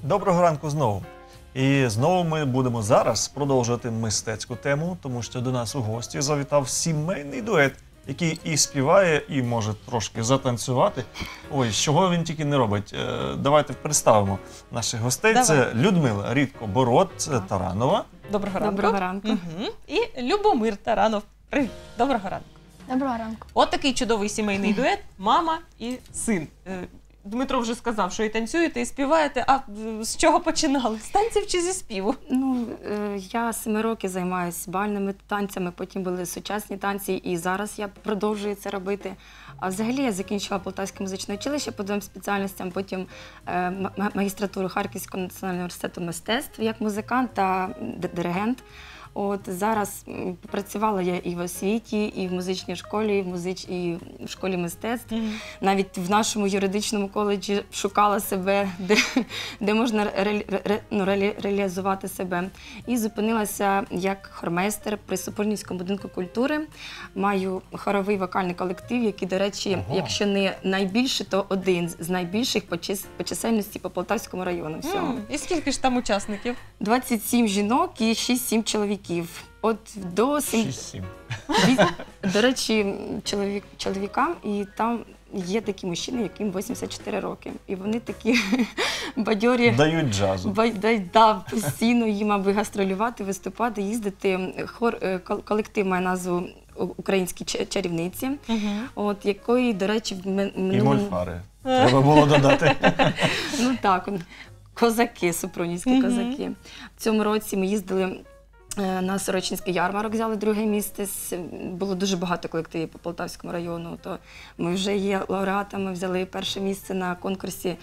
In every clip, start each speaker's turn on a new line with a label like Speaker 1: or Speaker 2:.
Speaker 1: Доброго ранку знову. І знову ми будемо зараз продовжувати мистецьку тему, тому що до нас у гості завітав сімейний дует, який і співає, і може трошки затанцювати. Ой, чого він тільки не робить. Давайте представимо наших гостей.
Speaker 2: Давай.
Speaker 1: Це Людмила Рідко-Бород-Таранова.
Speaker 2: Доброго ранку.
Speaker 3: Доброго ранку.
Speaker 2: Угу. І Любомир Таранов. Привіт. Доброго ранку.
Speaker 3: Доброго ранку.
Speaker 2: От такий чудовий сімейний дует – мама і син. Дмитро вже сказав, що і танцюєте, і співаєте. А з чого починали? З танців чи зі співу?
Speaker 3: Я 7 років займаюся бальними танцями, потім були сучасні танці, і зараз я продовжую це робити. А взагалі я закінчила Полтавське музичне училище по 2 спеціальностям, потім магістратуру Харківського національного університету мистецтв як музикант та диригент. От зараз працювала я і в освіті, і в музичній школі, і в школі мистецтв. Навіть в нашому юридичному коледжі шукала себе, де можна реалізувати себе. І зупинилася як хормейстер при Супрунівському будинку культури. Маю хоровий вокальний колектив, який, до речі, якщо не найбільший, то один з найбільших по чисельності по Полтавському району всього.
Speaker 2: І скільки ж там учасників?
Speaker 3: 27 жінок і 6-7 чоловіків. От до
Speaker 1: 6-7.
Speaker 3: До речі, чоловікам, і там є такі мужчини, яким 84 роки. І вони такі бадьорі.
Speaker 1: Дають джазу.
Speaker 3: Постійно їм, аби гастролювати, виступати, їздити. Колектив має назву «Українські чарівниці», от якої, до речі, в минулому...
Speaker 1: І мольфари. Треба було додати.
Speaker 3: Ну так, козаки, супрунівські козаки. В цьому році ми їздили на Сорочинський ярмарок, взяли 2 місце. Було дуже багато колективів по Полтавському району. То ми вже є лауреатами, взяли 1 місце на конкурсі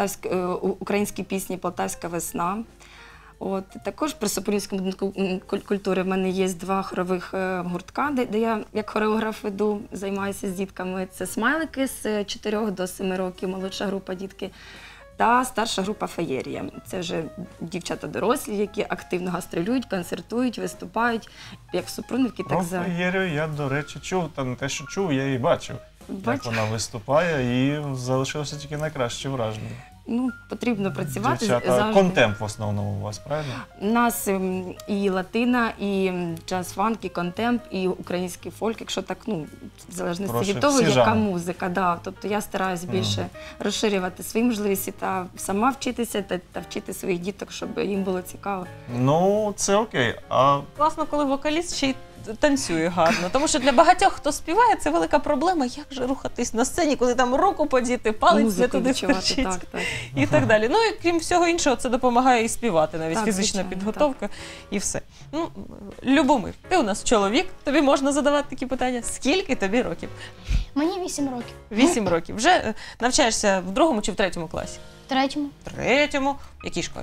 Speaker 3: української пісні «Полтавська весна». От, також при Супрунівському будинку культури в мене є 2 хорових гуртка, де я як хореограф веду, займаюся з дітками. Це смайлики з 4 до 7 років, молодша група дітки. Та старша група «Феєрія». Це вже дівчата дорослі, які активно гастролюють, концертують, виступають, як в Супрунівці, так за...
Speaker 1: «Феєрію» я, до речі, чув, та не те, що чув, я її бачив. Як вона виступає, і залишилося тільки найкраще враження.
Speaker 3: Ну, потрібно працювати
Speaker 1: завжди.
Speaker 3: завжди.
Speaker 1: Контемп в основному у вас, правильно?
Speaker 3: У нас і латина, і джаз-фанк, і контемп, і український фольк, якщо так, ну, в залежності від того, яка музика. Да. Тобто я стараюсь більше розширювати свої можливості та сама вчитися, та вчити своїх діток, щоб їм було цікаво.
Speaker 1: Ну, це окей. А...
Speaker 2: Класно, коли вокаліст ще й танцює гарно. Тому що для багатьох, хто співає, це велика проблема, як же рухатись на сцені, коли там руку подіти, палець не туди вточить і так далі. Ну і крім всього іншого, це допомагає і співати, навіть фізична підготовка і все. Ну, Любомир, ти у нас чоловік, тобі можна задавати такі питання. Скільки тобі років?
Speaker 4: Мені 8 років.
Speaker 2: 8 років. Вже навчаєшся в 2 чи в 3 класі?
Speaker 4: В 3-му.
Speaker 2: В 3-му. В якій школі?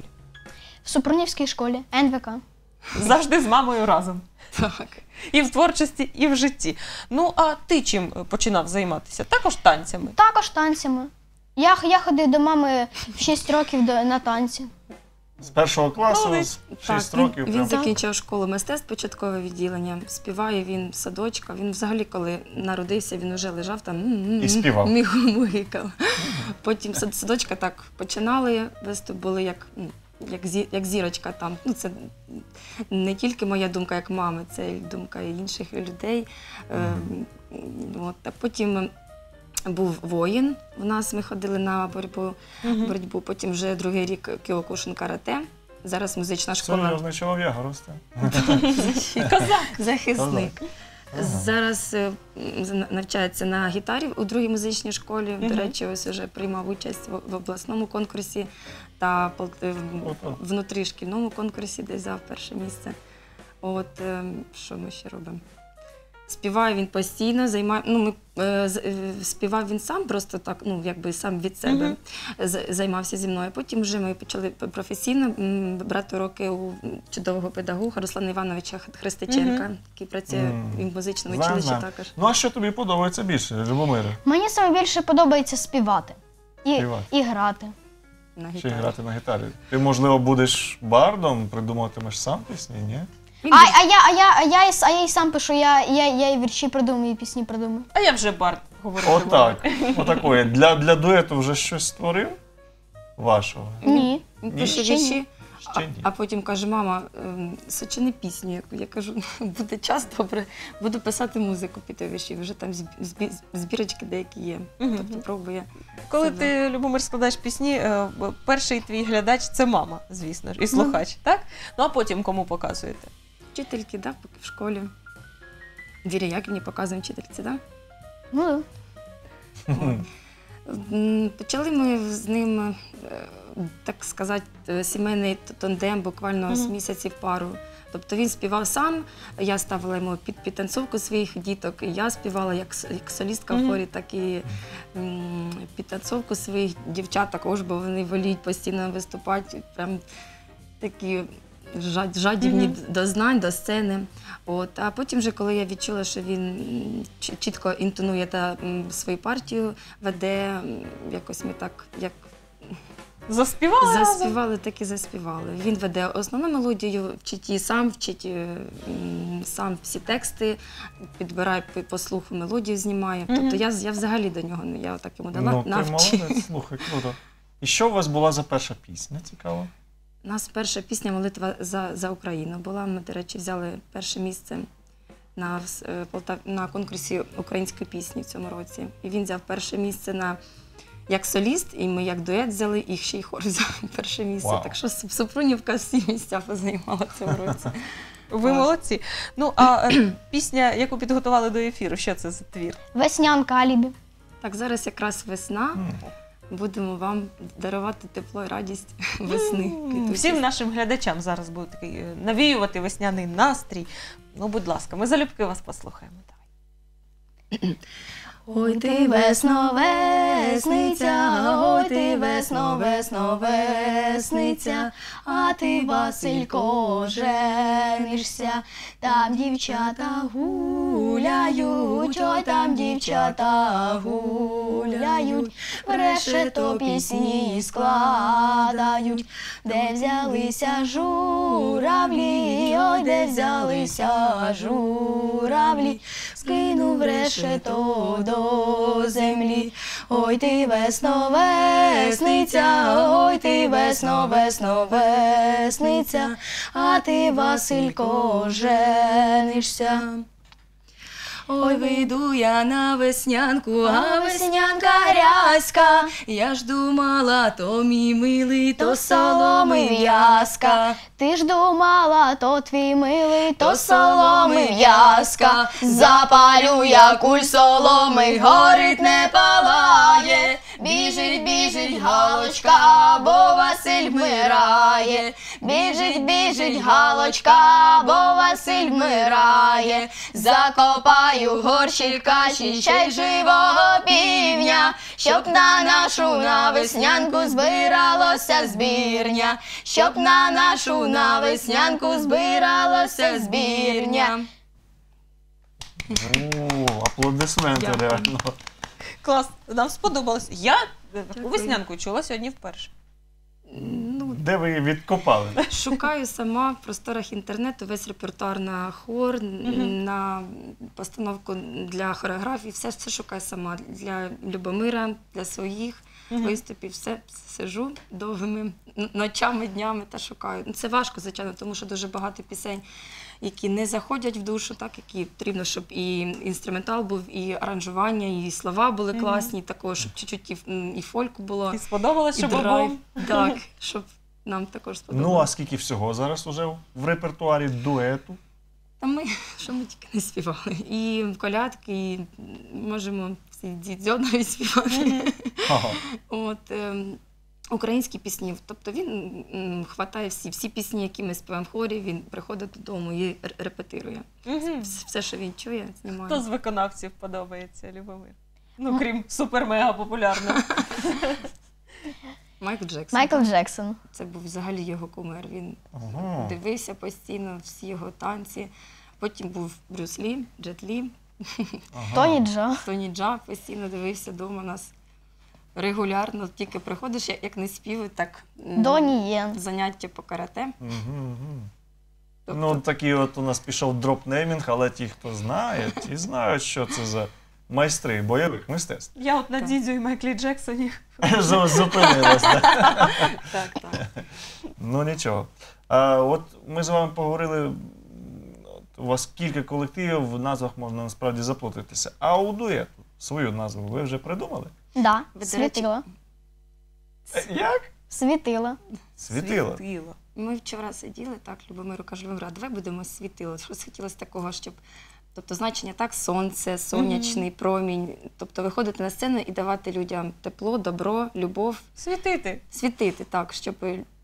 Speaker 4: В Супрунівській школі, НВК.
Speaker 2: Завжди з мамою разом.
Speaker 3: Так.
Speaker 2: І в творчості, і в житті. Ну, а ти чим починав займатися? Також танцями?
Speaker 4: Також танцями. Я ходив до мами в 6 років на танці.
Speaker 1: З 1 класу, з 6 років.
Speaker 3: Він закінчив школу мистецтв, початкове відділення. Співає він в садочка. Він взагалі, коли народився, він вже лежав там
Speaker 1: і співав.
Speaker 3: Мігав. Потім садочка так починали, виступ були як зірочка там. Ну, це не тільки моя думка як мами, це думка і інших людей. От. А потім був воїн у нас, ми ходили на боротьбу. Потім вже 2-й рік Кіокушин карате. Зараз музична школа.
Speaker 1: Серйозний чоловік росте.
Speaker 3: Захисник. Зараз навчається на гітарі у 2-й музичній школі. До речі, ось вже приймав участь в обласному конкурсі та внутрішкільному конкурсі, де взяв 1 місце. От, що ми ще робимо? Співає він постійно, співав він сам, просто так, ну, якби сам від себе займався зі мною. Потім вже ми почали професійно брати уроки у чудового педагога Руслана Івановича Христиченка, який працює в музичному училищі також.
Speaker 1: Ну, а що тобі подобається більше, Любомире?
Speaker 4: Мені саме більше подобається співати і грати.
Speaker 1: Чи грати на гітарі? Ти, можливо, будеш бардом, придумуватимеш сам пісні, ні?
Speaker 4: А я і сам пишу, я і вірші придумую, і пісні придумую.
Speaker 2: А я вже бард говорити.
Speaker 1: Отак. Отакої. Для дуету вже щось створив? Вашого?
Speaker 4: Ні.
Speaker 3: Він
Speaker 1: Ні?
Speaker 3: пише
Speaker 4: Ще ні.
Speaker 3: вірші,
Speaker 1: Ще ні.
Speaker 3: а потім каже: мама, сочини пісню. Я кажу, буде час, добре, буду писати музику під ті вірші. Вже там збірочки деякі є.
Speaker 2: Мгм.
Speaker 3: Тобто пробує.
Speaker 2: Коли
Speaker 3: себе.
Speaker 2: ти, Любомир, складаєш пісні, перший твій глядач – це мама, звісно ж, і слухач, так? Ну, а потім кому показуєте?
Speaker 3: Вчительки, да, поки в школі. Вірі Яківні показуємо вчительці, да?
Speaker 4: Ну,
Speaker 3: Почали ми з ним, так сказати, сімейний тандем буквально з місяців пару. Тобто він співав сам, я ставила йому під підтанцовку своїх діток, і я співала як солістка в хорі, так і підтанцовку своїх дівчат також, бо вони воліють постійно виступати, прям такі жадібні до знань, до сцени. От. А потім, вже, коли я відчула, що він чітко інтонує та свою партію, веде, якось ми так, як
Speaker 2: Заспівали разом?
Speaker 3: заспівали, так і заспівали. Він веде основну мелодію, вчить її сам, вчить сам всі тексти, підбирає по слуху мелодію, знімає. Тобто я взагалі до нього, я так йому дала
Speaker 1: Ну, ти
Speaker 3: навчи.
Speaker 1: молодець, слухай, круто. І що у вас була за перша пісня, цікаво?
Speaker 3: У нас перша пісня «Молитва за Україну» була. Ми, до речі, взяли перше місце на конкурсі української пісні в цьому році. І він взяв перше місце як соліст, і ми як дует взяли, і ще й хор взяв перше місце.
Speaker 1: Вау.
Speaker 3: Так що Супрунівка всі місця позаймала в цьому році.
Speaker 2: Ви молодці. Ну, а пісня, яку підготували до ефіру, що це за твір?
Speaker 4: веснянка алібі.
Speaker 3: Так, зараз якраз весна. Будемо вам дарувати тепло і радість весни.
Speaker 2: Всім нашим глядачам зараз буде такий навіювати весняний настрій. Ну, будь ласка, ми залюбки вас послухаємо. Давай.
Speaker 4: Ой ти весно, весниця, ой ти весно, весно, весниця, а ти, Василько, женишся, там дівчата гуляють, ой там дівчата гуляють, решето пісні складають, де взялися журавлі, ой де взялися журавлі, скинув решето до землі. Ой ти весно, весниця, ой ти весно, весно, весниця, а ти, Василько, женишся. Ой, вийду я на веснянку, а веснянка грязька. Я ж думала, то мій милий, то соломи в'язка. Ти ж думала, то твій милий, то соломи в'язка. Запалю я куль соломи, горить не палає. Біжить, біжить галочка, бо Василь вмирає. Біжить, біжить галочка, бо Василь вмирає. Закопаю горщик каші, ще й живого півня, щоб на нашу на веснянку збиралося збірня, щоб на нашу на веснянку збиралося збірня.
Speaker 1: О, аплодисменти
Speaker 3: Дякую.
Speaker 1: реально.
Speaker 2: Клас, нам сподобалось. Я таку веснянку чула сьогодні вперше.
Speaker 3: Ну,
Speaker 1: Де ви її відкопали?
Speaker 3: шукаю сама в просторах інтернету весь репертуар на хор, на постановку для хореографії, все шукаю сама. Для Любомира, для своїх виступів, все сижу довгими ночами, днями та шукаю. Це важко, звичайно, тому що дуже багато пісень, які не заходять в душу, так, які потрібно, щоб і інструментал був, і аранжування, і слова були класні, також, щоб чуть-чуть і фольку було,
Speaker 2: І сподобалось,
Speaker 3: і
Speaker 2: що
Speaker 3: драйв.
Speaker 2: бабом?
Speaker 3: Так, щоб нам також
Speaker 1: Ну,
Speaker 3: сподобалося.
Speaker 1: а скільки всього зараз уже в репертуарі дуету?
Speaker 3: Та ми, що ми тільки не співали. І колядки, і можемо всі дідзьо навіть співати.
Speaker 1: Ага.
Speaker 3: От, українські пісні. Тобто він хватає всі пісні, які ми співаємо в хорі, він приходить додому і репетирує. Все, що він чує, знімає.
Speaker 2: Хто з виконавців подобається, Любомир? Ну, крім супер-мега популярного.
Speaker 3: Майкл Джексон.
Speaker 4: Майкл Джексон.
Speaker 3: Це був взагалі його кумир. Він
Speaker 1: Ага.
Speaker 3: дивився постійно всі його танці. Потім був Брюс Лі, Джет Лі,
Speaker 1: Ага.
Speaker 4: Тоні Джо.
Speaker 3: Тоні Джа постійно дивився вдома нас. Регулярно, тільки приходиш, як не співи, так
Speaker 4: Доні Єн.
Speaker 3: заняття по карате.
Speaker 1: Мгм.
Speaker 3: Тобто,
Speaker 1: Ну, такий от у нас пішов дропнеймінг, але ті, хто знає, ті знають, що це за майстри бойових мистецтв.
Speaker 2: Я от на Дідзю і Майклі Джексоні.
Speaker 1: Зупинилась, так?
Speaker 3: Так, так.
Speaker 1: Ну нічого. От ми з вами поговорили, у вас кілька колективів, в назвах можна насправді заплутатися. А у дуету свою назву ви вже придумали?
Speaker 4: Да,
Speaker 3: Ви, до речі,
Speaker 4: світило.
Speaker 1: Як?
Speaker 4: Світило.
Speaker 1: Світило.
Speaker 3: Ми вчора сиділи, так, Любомиру каже, Любомира, давай будемо світило. Щось хотілося такого, щоб, тобто значення так, сонце, сонячний промінь, тобто виходити на сцену і давати людям тепло, добро, любов, світити, так, щоб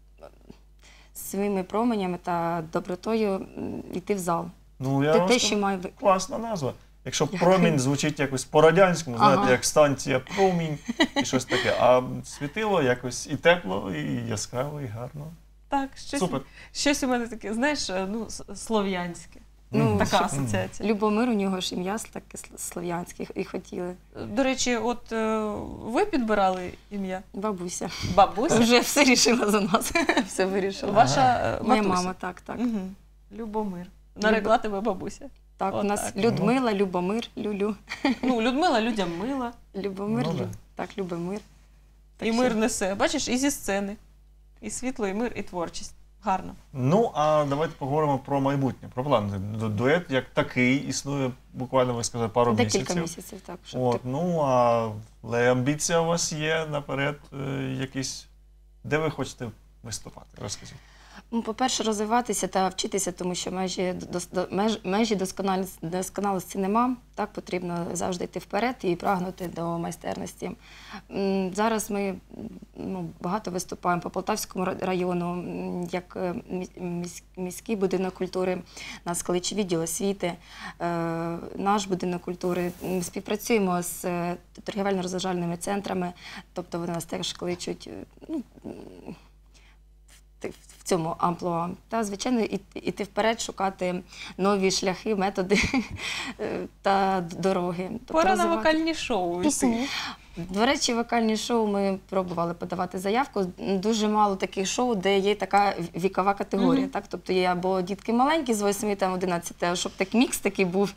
Speaker 3: своїми променями та добротою йти в зал.
Speaker 1: Ну, я
Speaker 3: Те,
Speaker 1: вам
Speaker 3: що
Speaker 1: скажу,
Speaker 3: має
Speaker 1: класна назва. Якщо
Speaker 3: Дякую.
Speaker 1: промінь звучить якось по-радянському, знаєте,
Speaker 3: Ага.
Speaker 1: як станція промінь і щось таке. А світило якось і тепло, і яскраво, і гарно.
Speaker 2: Так,
Speaker 1: Супер.
Speaker 2: щось у мене таке, знаєш, ну, слов'янське.
Speaker 3: Ну,
Speaker 2: Така
Speaker 3: що-
Speaker 2: асоціація.
Speaker 3: Любомир, у нього ж ім'я таке слов'янське і хотіли.
Speaker 2: До речі, от ви підбирали ім'я?
Speaker 3: Бабуся.
Speaker 2: Бабуся?
Speaker 3: Вже все рішила за нас. Все вирішила.
Speaker 2: Ваша
Speaker 3: Моя
Speaker 2: матуся?
Speaker 3: мама, так, так.
Speaker 2: Мгм. Любомир. Нарекла тебе бабуся.
Speaker 3: Так, у нас
Speaker 2: Отак.
Speaker 3: Людмила, Любомир, Люлю.
Speaker 2: Ну, Людмила людям мила.
Speaker 3: Любомир,
Speaker 1: Ну, да.
Speaker 3: так, Любомир. Так
Speaker 2: І
Speaker 3: що-
Speaker 2: мир несе. Бачиш, і зі сцени. І світло, і мир, і творчість. Гарно.
Speaker 1: Ну, а давайте поговоримо про майбутнє, про плани. Дует як такий існує буквально, ви сказали, пару
Speaker 3: Декілька
Speaker 1: місяців.
Speaker 3: місяців, так. Щоб
Speaker 1: От, ну, але амбіція у вас є наперед якісь. Де ви хочете виступати? Розкажіть.
Speaker 3: Ну, по-перше, розвиватися та вчитися, тому що межі досконалості нема. Так, потрібно завжди йти вперед і прагнути до майстерності. Зараз ми багато виступаємо по Полтавському району, як міський будинок культури, нас кличе відділ освіти, наш будинок культури. Ми співпрацюємо з торгівельно-розважальними центрами, тобто вони нас теж кличуть, в цьому амплуа. Та, звичайно, іти вперед, шукати нові шляхи, методи та дороги. Тобто
Speaker 2: Пора на
Speaker 3: розвивати.
Speaker 2: вокальні шоу.
Speaker 4: Пісні.
Speaker 3: До речі, вокальні шоу ми пробували подавати заявку. Дуже мало таких шоу, де є така вікова категорія. Так? Тобто є або дітки маленькі з 8 там 11, а щоб так мікс такий був,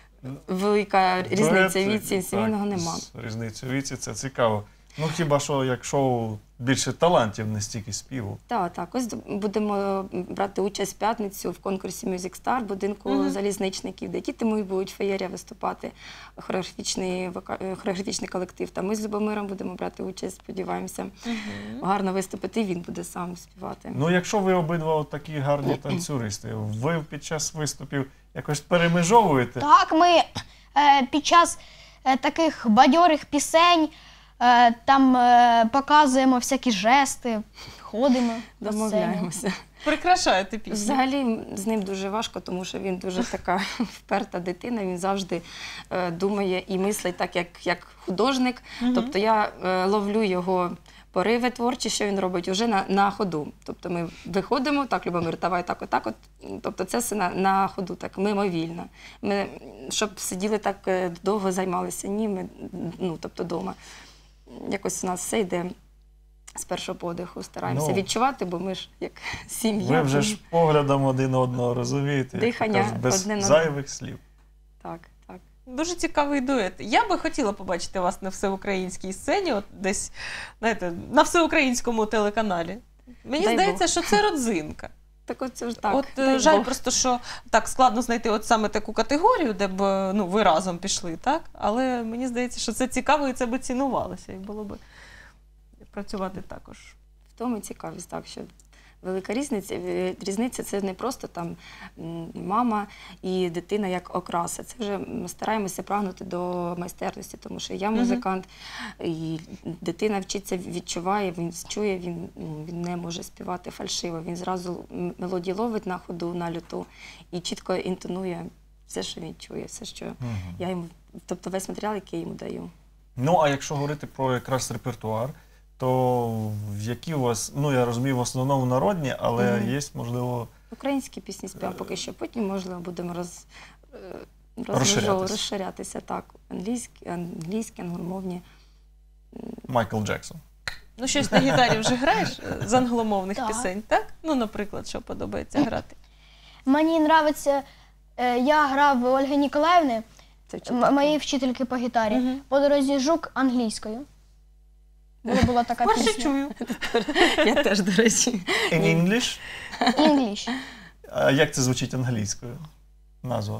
Speaker 3: велика різниця віці, сімейного нема.
Speaker 1: Різниця віці, це цікаво. Ну, хіба що, як шоу більше талантів, не стільки співу.
Speaker 3: Так. Ось будемо брати участь в п'ятницю в конкурсі Music Star будинку залізничників, де діти мої будуть феєрія виступати, хореографічний колектив. Та ми з Любомиром будемо брати участь, сподіваємося, гарно виступити, і він буде сам співати.
Speaker 1: Ну, якщо ви обидва такі гарні танцюристи, ви під час виступів якось перемежовуєте?
Speaker 4: Так, ми під час таких бадьорих пісень там показуємо всякі жести, ходимо на сцені.
Speaker 3: Домовляємося.
Speaker 2: Прикрашаєте пісню.
Speaker 3: Взагалі з ним дуже важко, тому що він дуже така вперта дитина, він завжди думає і мислить так, як художник. Тобто я ловлю його пориви творчі, що він робить, вже на ходу. Тобто ми виходимо, так, Любомир, давай так, отак. Тобто це все на ходу, так, мимовільно. Ми, щоб сиділи так довго, займалися, ні, ми, тобто вдома. Якось у нас все йде з першого подиху, стараємося відчувати, бо ми ж як сім'я.
Speaker 1: Ви вже ж поглядом один одного розумієте,
Speaker 3: Дихання
Speaker 1: як кажуть, без
Speaker 3: одне на
Speaker 1: зайвих слів.
Speaker 3: Так.
Speaker 2: Дуже цікавий дует. Я би хотіла побачити вас на всеукраїнській сцені, от десь, знаєте, на всеукраїнському телеканалі. Мені
Speaker 3: Дай
Speaker 2: здається,
Speaker 3: Бог.
Speaker 2: що це родзинка.
Speaker 3: Так от це ж так.
Speaker 2: От
Speaker 3: дай
Speaker 2: жаль
Speaker 3: Бог.
Speaker 2: просто, що так складно знайти от саме таку категорію, де б ви разом пішли, так? Але мені здається, що це цікаво і це би цінувалося, і було б працювати також.
Speaker 3: В тому цікавість, так, що велика різниця це не просто там мама і дитина як окраса. Це вже ми стараємося прагнути до майстерності, тому що я музикант, і дитина вчиться, відчуває, він чує, він не може співати фальшиво, він зразу мелодію ловить на ходу, на люту і чітко інтонує все, що він чує, все, що я йому, тобто весь матеріал, який я йому даю.
Speaker 1: Ну, а якщо говорити про якраз репертуар, то які у вас, я розумію, в основному народні, але є, можливо...
Speaker 3: Українські пісні співаємо поки що, потім, можливо, будемо розширятися. Так, англійські, англомовні.
Speaker 1: Майкл Джексон.
Speaker 2: Ну, щось на гітарі вже граєш з англомовних
Speaker 4: Так.
Speaker 2: пісень, так? Ну, наприклад, що подобається грати?
Speaker 4: Мені подобається, я грав Ольги Ніколаївни,
Speaker 3: Це вчителька.
Speaker 4: Моєї вчительки по гітарі. По дорозі жук англійською. Була така
Speaker 2: Перше
Speaker 4: пісня.
Speaker 2: чую.
Speaker 3: Я теж, до речі.
Speaker 1: In English?
Speaker 4: English.
Speaker 1: А як це звучить англійською? Назва?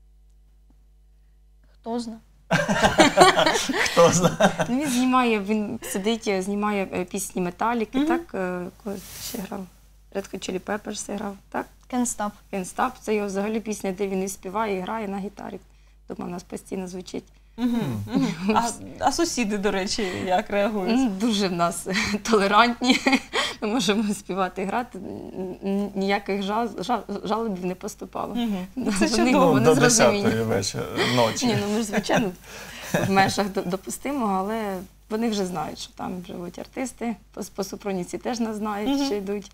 Speaker 4: Хто знає.
Speaker 1: Хто знає?
Speaker 3: Він сидить, знімає пісні Металіки, так? Кого ще грав? Red Hot Chili Peppers грав, так?
Speaker 4: Can't Stop.
Speaker 3: Can't Stop. Це його взагалі пісня, де він і співає, і грає на гітарі. Тому у нас постійно звучить.
Speaker 2: А сусіди, до речі, як реагують?
Speaker 3: Дуже в нас толерантні. Ми можемо співати і грати. Ніяких жалобів не поступало.
Speaker 2: Це
Speaker 3: Вони
Speaker 2: чудово.
Speaker 3: не
Speaker 1: До
Speaker 3: зрозуміють.
Speaker 1: 10-ї вечора, ночі.
Speaker 3: Ні, ну ми ж, звичайно, в межах допустимого, але вони вже знають, що там живуть артисти. По Супруніці теж нас знають, що йдуть.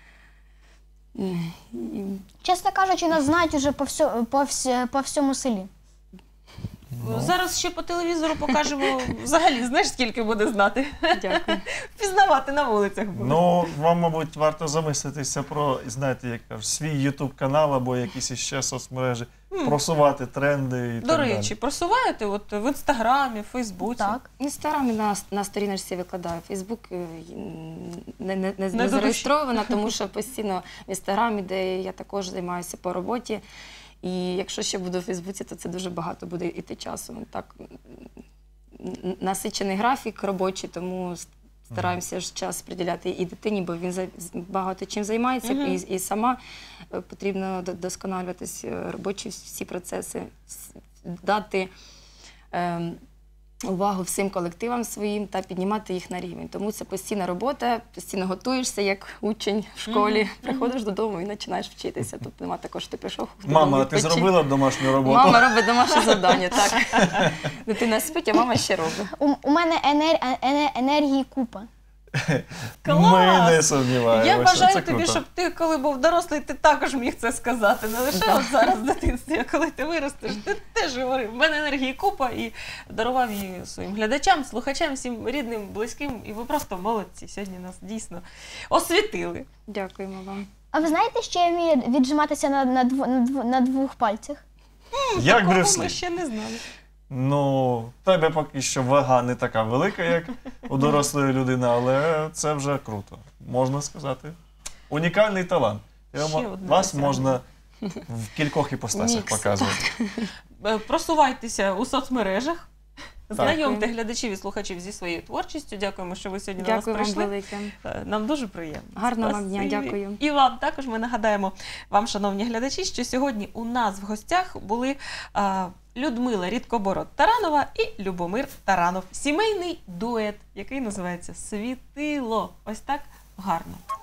Speaker 4: Чесно кажучи, нас знають уже по всьому селі.
Speaker 2: Зараз ще по телевізору покажемо, взагалі, знаєш, скільки буде знати?
Speaker 3: Дякую.
Speaker 2: Впізнавати на вулицях буде.
Speaker 1: Ну, вам, мабуть, варто замислитися про, знаєте, як кажуть, свій YouTube-канал або якісь іще соцмережі, просувати тренди і
Speaker 2: До
Speaker 1: так далі.
Speaker 2: речі, просуваєте от в Інстаграмі, в Фейсбуці?
Speaker 4: Так.
Speaker 3: В Інстаграмі на сторіночці викладаю. Фейсбук не
Speaker 2: до
Speaker 3: зареєстрована, тому що постійно в Інстаграмі, де я також займаюся по роботі. І якщо ще буду в Фейсбуці, то це дуже багато буде йти часу. Так, насичений графік робочий, тому стараємося ж час приділяти і дитині, бо він багато чим займається, і сама потрібно досконалюватись робочі всі процеси, дати увагу всім колективам своїм та піднімати їх на рівень. Тому це постійна робота, постійно готуєшся, як учень в школі, приходиш додому і починаєш вчитися. Тобто нема такого, що ти пішов додому.
Speaker 1: Мама, а ти
Speaker 3: відпочив.
Speaker 1: зробила домашню роботу?
Speaker 3: Мама робить домашнє завдання, так. Дитина спить, а мама ще робить.
Speaker 4: У мене енергії купа.
Speaker 1: Ми не сумніваємося.
Speaker 2: Я бажаю
Speaker 1: Це
Speaker 2: тобі,
Speaker 1: круто.
Speaker 2: щоб ти, коли був дорослий, ти також міг це сказати. Не лише от зараз в дитинстві, а коли ти виростеш, ти теж говорив. В мене енергії купа і дарував її своїм глядачам, слухачам, всім рідним, близьким. І ви просто молодці. Сьогодні нас дійсно освітили.
Speaker 3: Дякуємо вам.
Speaker 4: А ви знаєте, що я вмію віджиматися на двох пальцях?
Speaker 1: Як
Speaker 2: Такого
Speaker 1: Брюс
Speaker 2: ми
Speaker 1: Лі.
Speaker 2: ще не знали.
Speaker 1: Ну, в тебе поки що вага не така велика, як у дорослої людини, але це вже круто, можна сказати. Унікальний талант.
Speaker 2: Ще одне
Speaker 1: Вас
Speaker 2: досягнення.
Speaker 1: можна в кількох іпостасях
Speaker 3: Мікс.
Speaker 1: показувати.
Speaker 2: Просувайтеся у соцмережах.
Speaker 1: Так.
Speaker 2: Знайомте глядачів і слухачів зі своєю творчістю. Дякуємо, що ви сьогодні до нас
Speaker 3: Дякую вам
Speaker 2: прийшли.
Speaker 3: велике.
Speaker 2: Нам дуже приємно.
Speaker 3: Гарного вам дня,
Speaker 2: Спасибі.
Speaker 3: дякую.
Speaker 2: І вам також ми нагадаємо вам, шановні глядачі, що сьогодні у нас в гостях були Людмила Рідкобород-Таранова і Любомир Таранов. Сімейний дует, який називається «Світило». Ось так гарно.